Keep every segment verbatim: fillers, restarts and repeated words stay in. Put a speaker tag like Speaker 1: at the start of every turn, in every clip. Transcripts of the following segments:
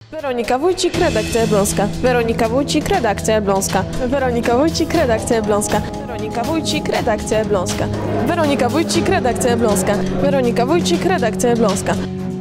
Speaker 1: Weronika Wójcik, redakcja Elbląska. Weronika Wójcik, redakcja Elbląska. Weronika Wójcik, redakcja Elbląska. Weronika Wójcik, redakcja Elbląska. Weronika Wójcik, redakcja Elbląska. Weronika Wójcik, redakcja Elbląska.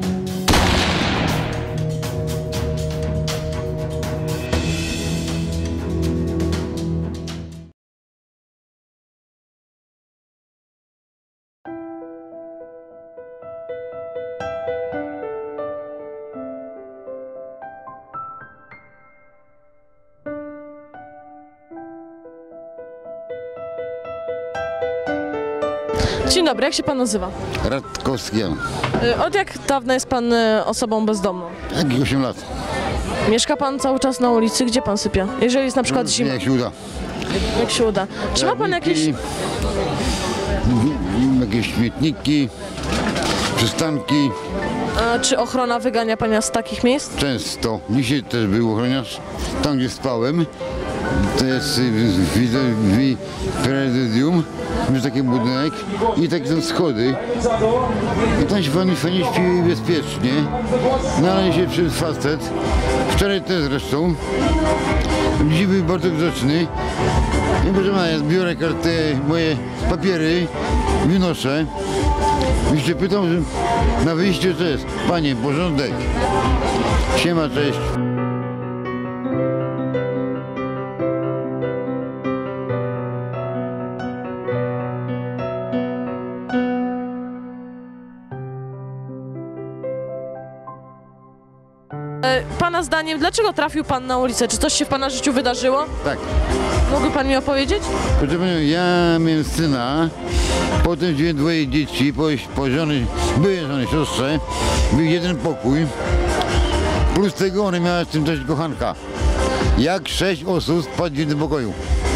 Speaker 1: Dzień dobry, jak się pan nazywa?
Speaker 2: Radkowski.
Speaker 1: Y, Od jak dawna jest pan y, osobą bezdomną?
Speaker 2: Jak osiem lat.
Speaker 1: Mieszka pan cały czas na ulicy? Gdzie pan sypia? Jeżeli jest na przykład zima,
Speaker 2: Jak się uda.
Speaker 1: jak się uda. Czy ma pan jakieś...
Speaker 2: Jakieś śmietniki, przystanki.
Speaker 1: A, czy ochrona wygania pana z takich miejsc?
Speaker 2: Często. Dzisiaj też był ochroniarz. Tam, gdzie spałem, to jest widzę prezydium, jest taki budynek i takie są schody. I tam się fajnie, fajnie śpi bezpiecznie. No ale się przyszedł facet. Wczoraj też zresztą. Dzisiaj był bardzo grzeczny. I proszę pana, ja zbiorę kartę, moje papiery, wynoszę. I się pytam, że na wyjściu co jest? Panie, porządek. Siema, cześć.
Speaker 1: Pana zdaniem, dlaczego trafił pan na ulicę? Czy coś się w pana życiu wydarzyło?
Speaker 2: Tak.
Speaker 1: Mógłby pan mi opowiedzieć?
Speaker 2: Proszę panią, ja miałem syna, potem wziąłem dwoje dzieci, po, po żony, byłej żony, siostrze, był jeden pokój, plus tego ona miała z tym też kochanka. Jak sześć osób spadł w jednym pokoju.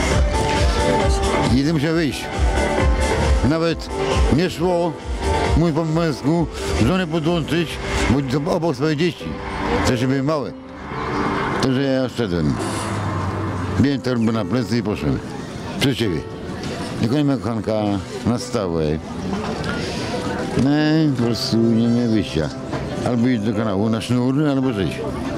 Speaker 2: Jeden musiał wyjść. Nawet nie szło, mój po męsku, żonę podłączyć, bo to obok swoje dzieci. Też były małe. To, że ja szedłem. Biłem torbę na plecy i poszedłem. Przez ciebie. Tylko nie miał kochanka na stałe. No po prostu nie miałem wyjścia. Albo iść do kanału na sznur, albo żyć.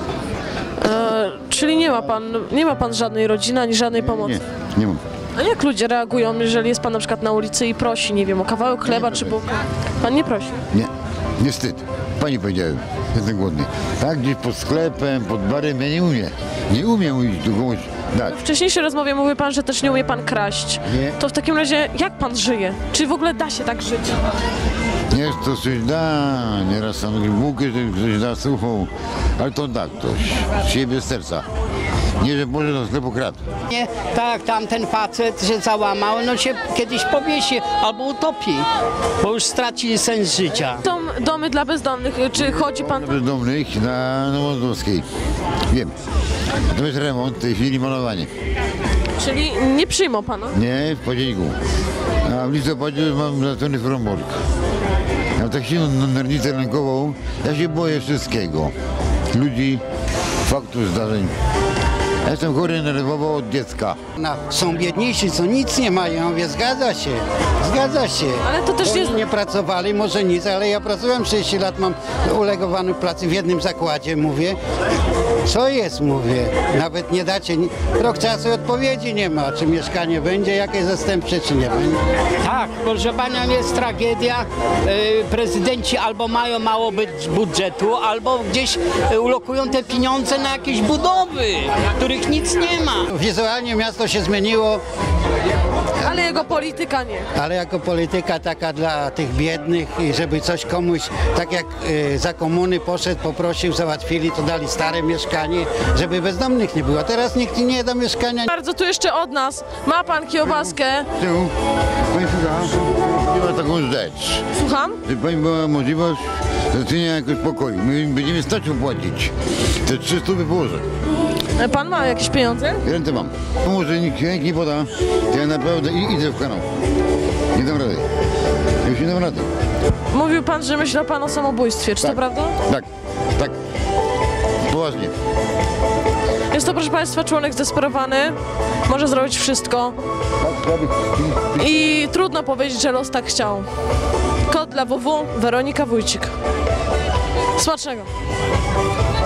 Speaker 1: E, czyli nie ma pan, nie ma pan żadnej rodziny, ani żadnej pomocy?
Speaker 2: Nie, nie mam.
Speaker 1: A jak ludzie reagują, jeżeli jest pan na przykład na ulicy i prosi, nie wiem, o kawałek chleba czy bułkę? Pan nie prosi?
Speaker 2: Nie, nie wstyd. Pani powiedziałem, jestem głodny. Tak, gdzieś pod sklepem, pod barem, ja nie umiem. Nie umiem iść do komuś dać.
Speaker 1: W wcześniejszej rozmowie mówił pan, że też nie umie pan kraść.
Speaker 2: Nie.
Speaker 1: To w takim razie jak pan żyje? Czy w ogóle da się tak żyć?
Speaker 2: Nie, to coś da, nieraz sam bułkę ktoś da suchą, ale to da ktoś, z siebie, z serca. Nie, że może do sklepu kradł.
Speaker 3: Nie, tak, tamten facet się załamał, no się kiedyś powiesi albo utopi, bo już straci sens życia.
Speaker 1: Są domy dla bezdomnych, czy chodzi pan...
Speaker 2: Bezdomnych na Nowozdrowskiej. Wiem. Natomiast remont, w tej chwili malowanie.
Speaker 1: Czyli nie przyjmą pana?
Speaker 2: Nie, w październiku. A w listopadzie mam zaczęty Fromborg. Ja mam tak silną nerwicę rękową, ja się boję wszystkiego. Ludzi, faktów, zdarzeń. Ja jestem chory nerwowo od dziecka.
Speaker 3: No, są biedniejsi, co nic nie mają, ja mówię, zgadza się, zgadza się.
Speaker 1: Ale to też
Speaker 3: Oni
Speaker 1: jest...
Speaker 3: nie pracowali, może nic, ale ja pracowałem trzydzieści lat, mam ulegowany pracy w jednym zakładzie, mówię. Co jest, mówię, nawet nie dacie, rok czasu odpowiedzi nie ma, czy mieszkanie będzie, jakieś zastępcze, czy nie będzie. Tak, proszę panią, jest tragedia, yy, prezydenci albo mają mało budżetu, albo gdzieś ulokują te pieniądze na jakieś budowy, których nic nie ma. Wizualnie miasto się zmieniło,
Speaker 1: Ale jego polityka nie.
Speaker 3: ale jako polityka taka dla tych biednych i żeby coś komuś, tak jak y, za komuny poszedł, poprosił, załatwili, to dali stare mieszkanie, żeby bezdomnych nie było. Teraz nikt nie da mieszkania.
Speaker 1: Bardzo tu jeszcze od nas. Ma pan kiełbaskę?
Speaker 2: Tyłu, pani słucha, nie ma taką rzecz.
Speaker 1: Słucham?
Speaker 2: Żeby pani była możliwość zatrudnienia jakoś pokoju. My będziemy stać opłacić. Te trzy stówy położę.
Speaker 1: Pan ma jakieś pieniądze?
Speaker 2: Rentę mam. Może nikt ręki nie poda, to ja naprawdę idę w kanał. Nie dam rady. Już nie dam rady.
Speaker 1: Mówił pan, że myślał pan o samobójstwie, czy
Speaker 2: Tak.
Speaker 1: to prawda?
Speaker 2: Tak, tak. Poważnie.
Speaker 1: Jest to, proszę państwa, członek zdesperowany, może zrobić wszystko i trudno powiedzieć, że los tak chciał. Kod dla W W, Weronika Wójcik. Smacznego.